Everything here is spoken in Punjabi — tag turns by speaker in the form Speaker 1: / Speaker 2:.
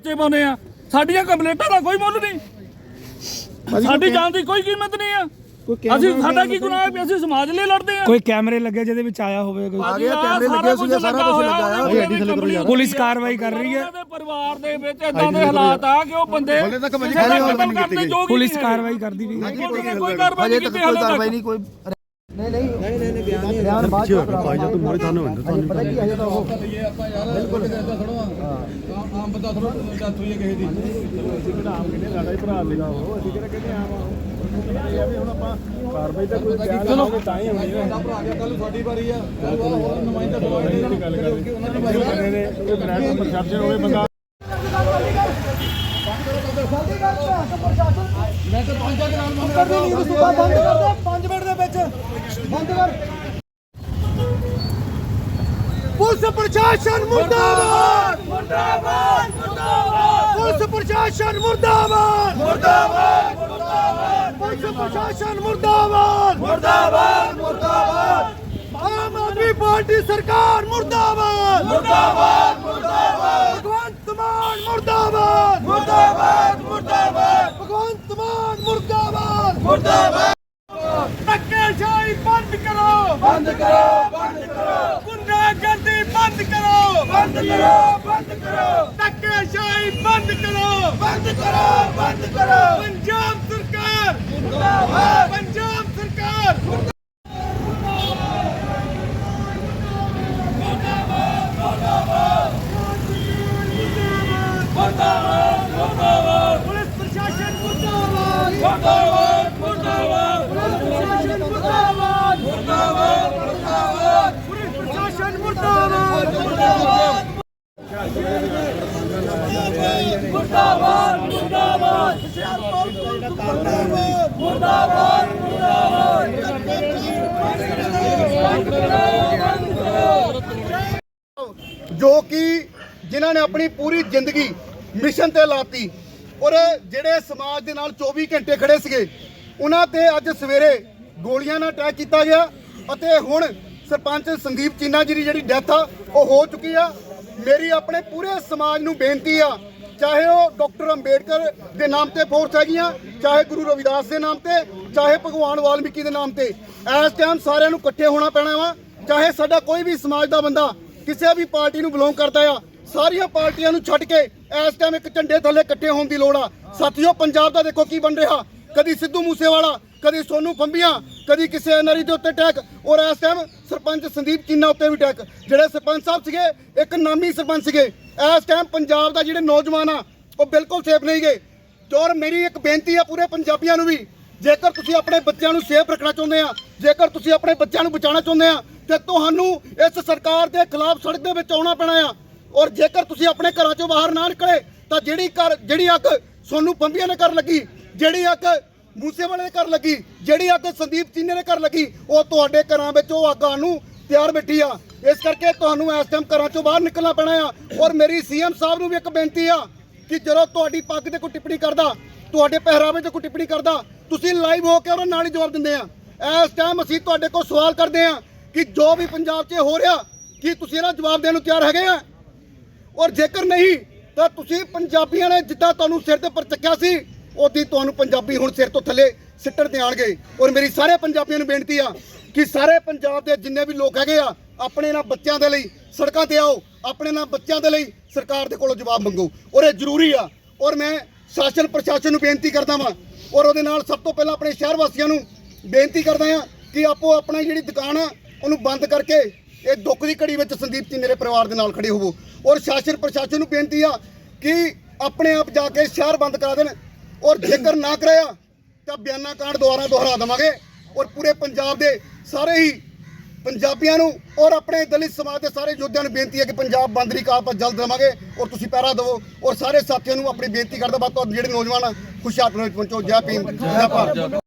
Speaker 1: ਪਰਚੇ ਪਾਉਂਦੇ ਆ। ਸਾਡੀਆਂ ਕੰਪਲੇਂਟਾਂ ਦਾ ਕੋਈ ਮੁੱਲ ਨਹੀਂ, ਸਾਡੀ ਜਾਨ ਦੀ ਕੋਈ ਕੀਮਤ ਨਹੀਂ ਆ। ਅਸੀਂ ਸਾਡਾ ਕੀ ਗੁਨਾਹ ਹੈ? ਅਸੀਂ ਸਮਾਜ ਲਈ ਲੜਦੇ ਆ।
Speaker 2: ਕੋਈ ਕੈਮਰੇ ਲੱਗੇ ਜਿਹਦੇ ਵਿੱਚ ਆਇਆ ਹੋਵੇ?
Speaker 1: ਆ ਗਿਆ ਕੈਮਰੇ ਲੱਗੇ ਸੀਗੇ, ਸਾਰਾ ਕੁਝ ਲੱਗਾ।
Speaker 2: ਪੁਲਿਸ ਕਾਰਵਾਈ ਕਰ ਰਹੀ ਹੈ।
Speaker 1: ਪਰਿਵਾਰ ਦੇ ਵਿੱਚ ਇਦਾਂ ਦੇ ਹਾਲਾਤ ਆ ਕਿ ਉਹ ਬੰਦੇ
Speaker 2: ਪੁਲਿਸ ਕਾਰਵਾਈ ਕਰਦੀ ਵੀ
Speaker 1: ਕੋਈ ਕਾਰਵਾਈ ਨਹੀਂ ਕੀਤੀ ਹਾਲੇ ਤੱਕ।
Speaker 3: ਕੋਈ नहीं बयान बात भाई जो तुम मोरे थाने होंगे तो पता की है तो वो ये ਆਪਾਂ ਯਾਰ ਬਿਲਕੁਲ ਐਸਾ ਥੋੜਾ ਆਮ ਬੰਦਾ ਥੋੜਾ ਡੈਥ ਹੋਈ ਹੈ ਕਿਸੇ ਦੀ ਅਸੀਂ ਕਿਹੜਾ ਆਮ ਕਿਹਨੇ ਸਾਡਾ ਹੀ ਭਰਾ ਸੀਗਾ ਉਹ ਅਸੀਂ ਕਿਹੜਾ ਕਹਿੰਦੇ ਆਮ ਆ ਵੀ ਹੁਣ ਆਪਾਂ ਕਾਰਵਾਈ ਤਾਂ ਕੋਈ ਚਲੋ ਤਾਂ ਹੀ ਹੋਣੀ ਹੈ। ਸਾਡਾ ਭਰਾ ਆ ਗਿਆ ਕੱਲ ਤੁਹਾਡੀ ਵਾਰੀ ਆ ਹੋਰ ਨੁਮਾਇੰਦਾ ਦਵਾਈ ਦੀ ਗੱਲ ਕਰੇ ਉਹਨਾਂ ਨੇ ਬਾਈ ਕਹਿੰਦੇ ਨੇ ਕੋਈ ਬ੍ਰਾਂਡ ਪਰਸੈਪਸ਼ਨ ਹੋਵੇ ਬੰਦਾ ਮੈਂ ਤਾਂ 5 ਦੇ ਨਾਲ ਬੰਦ ਕਰ ਦੇ ਸੂਬਾ ਬੰਦ ਕਰ ਦੇ 5 ਮਿੰਟ ਦੇ ਵਿੱਚ ਬੰਦ ਕਰ। ਪੁਲਿਸ ਪ੍ਰਸ਼ਾਸਨ ਮੁਰਦਾਬਾਦ ਮੁਰਦਾਬਾਦ ਮੁਰਦਾਬਾਦ ਪੁਲਿਸ ਪ੍ਰਸ਼ਾਸਨ ਮੁਰਦਾਬਾਦ ਮੁਰਦਾਬਾਦ ਮੁਰਦਾਬਾਦ ਪੁਲਿਸ ਪ੍ਰਸ਼ਾਸਨ ਮੁਰਦਾਬਾਦ ਮੁਰਦਾਬਾਦ ਮੁਰਦਾਬਾਦ ਆਮ ਆਦਮੀ ਪਾਰਟੀ ਸਰਕਾਰ ਮੁਰਦਾਬਾਦ ਮੁਰਦਾਬਾਦ ਮੁਰਦਾਬਾਦ ਭਗਵੰਤ ਮਾਨ ਮੁਰਦਾਬਾਦ ਮੁਰਦਾਬਾਦ ਮੁਰਦਾਬਾਦ ਭਗਵੰਤ ਮਾਨ ਮੁਰਦਾਬਾਦ ਮੁਰਦਾਬਾਦ। ਧੱਕੇਸ਼ਾਹੀ ਬੰਦ ਕਰੋ ਬੰਦ ਕਰੋ ਬੰਦ ਕਰੋ ਗੁੰਡਾਗਰਦੀ ਬੰਦ ਕਰੋ ਬੰਦ ਕਰੋ ਬੰਦ ਕਰੋ ਧੱਕੇਸ਼ਾਹੀ ਬੰਦ ਕਰੋ ਬੰਦ ਕਰੋ ਬੰਦ ਕਰੋ। ਪੰਜਾਬ ਸਰਕਾਰ ਮੁਰਦਾਬਾਦ ਪੰਜਾਬ ਸਰਕਾਰ पुलिस प्रशासन मुर्दाबाद मुर्दाबाद मुर्दाबाद पुलिस प्रशासन मुर्दाबाद मुर्दाबाद मुर्दाबाद पुलिस प्रशासन मुर्दाबाद मुर्दाबाद मुर्दाबाद मुर्दाबाद मुर्दाबाद
Speaker 4: जो कि जिन्होंने अपनी पूरी जिंदगी मिशन ते लाती और ਜਿਹੜੇ ਸਮਾਜ ਦੇ ਨਾਲ 24 ਘੰਟੇ ਖੜੇ ਸੀਗੇ ਉਹਨਾਂ ਤੇ ਅੱਜ ਸਵੇਰੇ ਗੋਲੀਆਂ ਨਾਲ ਅਟੈਕ ਕੀਤਾ ਗਿਆ ਅਤੇ ਹੁਣ ਸਰਪੰਚ ਸੰਦੀਪ ਚੀਨਾ ਜੀ ਦੀ ਜਿਹੜੀ ਡੈਥ ਆ ਉਹ ਹੋ ਚੁੱਕੀ ਆ। ਮੇਰੀ ਆਪਣੇ ਪੂਰੇ ਸਮਾਜ ਨੂੰ ਬੇਨਤੀ ਆ, ਚਾਹੇ ਉਹ ਡਾਕਟਰ ਅੰਬੇਡਕਰ ਦੇ ਨਾਮ ਤੇ ਫੋਰਸ ਹੈਗੀਆਂ, ਚਾਹੇ ਗੁਰੂ ਰਵਿਦਾਸ ਦੇ ਨਾਮ ਤੇ, ਚਾਹੇ ਭਗਵਾਨ ਵਾਲਮੀਕੀ ਦੇ ਨਾਮ ਤੇ, ਇਸ ਟਾਈਮ ਸਾਰਿਆਂ ਨੂੰ ਇਕੱਠੇ ਹੋਣਾ ਪੈਣਾ ਵਾ। ਚਾਹੇ ਸਾਡਾ ਕੋਈ ਵੀ ਸਮਾਜ ਦਾ ਬੰਦਾ ਕਿਸੇ ਵੀ ਪਾਰਟੀ ਨੂੰ ਬਿਲੋਂਗ ਕਰਦਾ ਆ, ਸਾਰੀਆਂ ਪਾਰਟੀਆਂ ਨੂੰ ਛੱਡ ਕੇ ਇਸ ਟਾਈਮ ਇੱਕ ਝੰਡੇ ਥੱਲੇ ਇਕੱਠੇ ਹੋਣ ਦੀ ਲੋੜ ਆ। ਸਾਥੀਓ, ਪੰਜਾਬ ਦਾ ਦੇਖੋ ਕੀ ਬਣ ਰਿਹਾ, ਕਦੀ ਸਿੱਧੂ ਮੂਸੇਵਾਲਾ, ਕਦੀ ਸੋਨੂ ਫੰਬੀਆਂ, ਕਦੀ ਕਿਸੇ ਐਨਆਰਆਈ ਦੇ ਉੱਤੇ ਅਟੈਕ ਔਰ ਇਸ ਟਾਈਮ ਸਰਪੰਚ ਸੰਦੀਪ ਚੀਨਾ ਉੱਤੇ ਵੀ ਅਟੈਕ। ਜਿਹੜੇ ਸਰਪੰਚ ਸਾਹਿਬ ਸੀਗੇ ਇੱਕ ਨਾਮੀ ਸਰਪੰਚ ਸੀਗੇ, ਇਸ ਟਾਈਮ ਪੰਜਾਬ ਦਾ ਜਿਹੜੇ ਨੌਜਵਾਨ ਆ ਉਹ ਬਿਲਕੁਲ ਸੇਫ ਨਹੀਂ ਗਏ। ਔਰ ਮੇਰੀ ਇੱਕ ਬੇਨਤੀ ਆ ਪੂਰੇ ਪੰਜਾਬੀਆਂ ਨੂੰ ਵੀ, ਜੇਕਰ ਤੁਸੀਂ ਆਪਣੇ ਬੱਚਿਆਂ ਨੂੰ ਸੇਫ ਰੱਖਣਾ ਚਾਹੁੰਦੇ ਆ, ਜੇਕਰ ਤੁਸੀਂ ਆਪਣੇ ਬੱਚਿਆਂ ਨੂੰ ਬਚਾਉਣਾ ਚਾਹੁੰਦੇ ਆ ਤੇ ਤੁਹਾਨੂੰ ਇਸ ਸਰਕਾਰ ਦੇ ਖਿਲਾਫ ਸੜਕ ਦੇ ਵਿੱਚ ਆਉਣਾ ਪੈਣਾ ਆ। ਔਰ ਜੇਕਰ ਤੁਸੀਂ ਆਪਣੇ ਘਰਾਂ ਚੋਂ ਬਾਹਰ ਨਾ ਨਿਕਲੇ ਤਾਂ ਜਿਹੜੀ ਅੱਗ ਸੋਨੂ ਫੰਬੀਆਂ ਨੇ ਕਰ ਲੱਗੀ, ਜਿਹੜੀ ਅੱਗ ਮੂਸੇਵਾਲੇ ਦੇ ਘਰ ਲੱਗੀ, ਜਿਹੜੀ ਅੱਗ ਸੰਦੀਪ ਚੀਨੇ ਦੇ ਘਰ ਲੱਗੀ, ਉਹ ਤੁਹਾਡੇ ਘਰਾਂ ਵਿੱਚ ਉਹ ਅੱਗ ਆਉਣ ਨੂੰ ਤਿਆਰ ਬੈਠੀ ਆ। ਇਸ ਕਰਕੇ ਤੁਹਾਨੂੰ ਇਸ ਟਾਈਮ ਘਰਾਂ ਚੋਂ ਬਾਹਰ ਨਿਕਲਣਾ ਪੈਣਾ ਆ। ਔਰ ਮੇਰੀ ਸੀਐਮ ਸਾਹਿਬ ਨੂੰ ਵੀ ਇੱਕ ਬੇਨਤੀ ਆ ਕਿ ਜਦੋਂ ਤੁਹਾਡੀ ਪੱਗ ਤੇ ਕੋਈ ਟਿੱਪਣੀ ਕਰਦਾ, ਤੁਹਾਡੇ ਪਹਿਰਾਵੇ ਤੇ ਕੋਈ ਟਿੱਪਣੀ ਕਰਦਾ, ਤੁਸੀਂ ਲਾਈਵ ਹੋ ਕੇ ਉਹਨਾਂ ਨਾਲ ਹੀ ਜਵਾਬ ਦਿੰਦੇ ਆ। ਇਸ ਟਾਈਮ ਅਸੀਂ ਤੁਹਾਡੇ ਕੋਲ ਸਵਾਲ ਕਰਦੇ ਆ ਕਿ ਜੋ ਵੀ ਪੰਜਾਬ 'ਚ ਹੋ ਰਿਹਾ, ਕੀ ਤੁਸੀਂ ਇਹਨਾਂ ਜਵਾਬ ਦੇਣ ਨੂੰ ਤਿਆਰ ਹੈਗੇ ਆ? ਔਰ ਜੇਕਰ ਨਹੀਂ ਤਾਂ ਤੁਸੀਂ ਪੰਜਾਬੀਆਂ ਨੇ ਜਿੱਦਾਂ ਤੁਹਾਨੂੰ ਸਿਰ ਦੇ ਉੱਪਰ ਚੱਕਿਆ ਸੀ, ਉਦੀ ਤੁਹਾਨੂੰ ਪੰਜਾਬੀ ਹੁਣ ਸਿਰ ਤੋਂ ਥੱਲੇ ਸਿੱਟਣ ਤੇ ਆਣਗੇ। ਔਰ ਮੇਰੀ ਸਾਰੇ ਪੰਜਾਬੀਆਂ ਨੂੰ ਬੇਨਤੀ ਆ ਕਿ ਸਾਰੇ ਪੰਜਾਬ ਦੇ ਜਿੰਨੇ ਵੀ ਲੋਕ ਹੈਗੇ ਆ, ਆਪਣੇ ਨਾਲ ਬੱਚਿਆਂ ਦੇ ਲਈ ਸੜਕਾਂ ਤੇ ਆਓ, ਆਪਣੇ ਨਾਲ ਬੱਚਿਆਂ ਦੇ ਲਈ ਸਰਕਾਰ ਦੇ ਕੋਲੋਂ ਜਵਾਬ ਮੰਗੋ ਔਰ ਇਹ ਜ਼ਰੂਰੀ ਆ। ਔਰ ਮੈਂ ਸ਼ਾਸਨ ਪ੍ਰਸ਼ਾਸਨ ਨੂੰ ਬੇਨਤੀ ਕਰਦਾ ਵਾਂ ਔਰ ਉਹਦੇ ਨਾਲ ਸਭ ਤੋਂ ਪਹਿਲਾਂ ਆਪਣੇ ਸ਼ਹਿਰ ਵਾਸੀਆਂ ਨੂੰ ਬੇਨਤੀ ਕਰਦਾ ਆ ਕਿ ਆਪੋ ਆਪਣੀ ਜਿਹੜੀ ਦੁਕਾਨ ਆ ਉਹਨੂੰ ਬੰਦ ਕਰਕੇ ਇਹ ਦੁੱਖ ਦੀ ਘੜੀ ਵਿੱਚ ਸੰਦੀਪ ਚੀਨੇ ਦੇ ਪਰਿਵਾਰ ਦੇ ਨਾਲ ਖੜੇ ਹੋਵੋ। ਔਰ ਸ਼ਾਸਨ ਪ੍ਰਸ਼ਾਸਨ ਨੂੰ ਬੇਨਤੀ ਆ ਕਿ ਆਪਣੇ ਆਪ ਜਾ ਕੇ ਸ਼ਹਿਰ ਬੰਦ ਕਰਾ ਦੇਣ ਔਰ ਜੇਕਰ ਨਾ ਕਰਿਆ ਤਾਂ ਬਿਆਨਾ ਕਾਂਡ ਦੁਹਰਾ ਦੇਵਾਂਗੇ। ਔਰ ਪੂਰੇ ਪੰਜਾਬ ਦੇ ਸਾਰੇ ਹੀ ਪੰਜਾਬੀਆਂ ਨੂੰ ਔਰ ਆਪਣੇ ਦਲਿਤ ਸਮਾਜ ਦੇ ਸਾਰੇ ਯੋਧਿਆਂ ਨੂੰ ਬੇਨਤੀ ਹੈ ਕਿ ਪੰਜਾਬ ਬੰਦ ਦੀ ਕਾਲ ਪਰ ਜਲਦ ਦੇਵਾਂਗੇ ਔਰ ਤੁਸੀਂ ਪਹਿਰਾ ਦਿਵੋ। ਔਰ ਸਾਰੇ ਸਾਥੀਆਂ ਨੂੰ ਆਪਣੀ ਬੇਨਤੀ ਕਰਦਾ ਬਾਤ ਜਿਹੜੇ ਨੌਜਵਾਨ ਖੁਸ਼ਹਾਲ ਪਹੁੰਚੋ। ਜੈ ਭੀਮ, ਜੈ ਭਾਰਤ।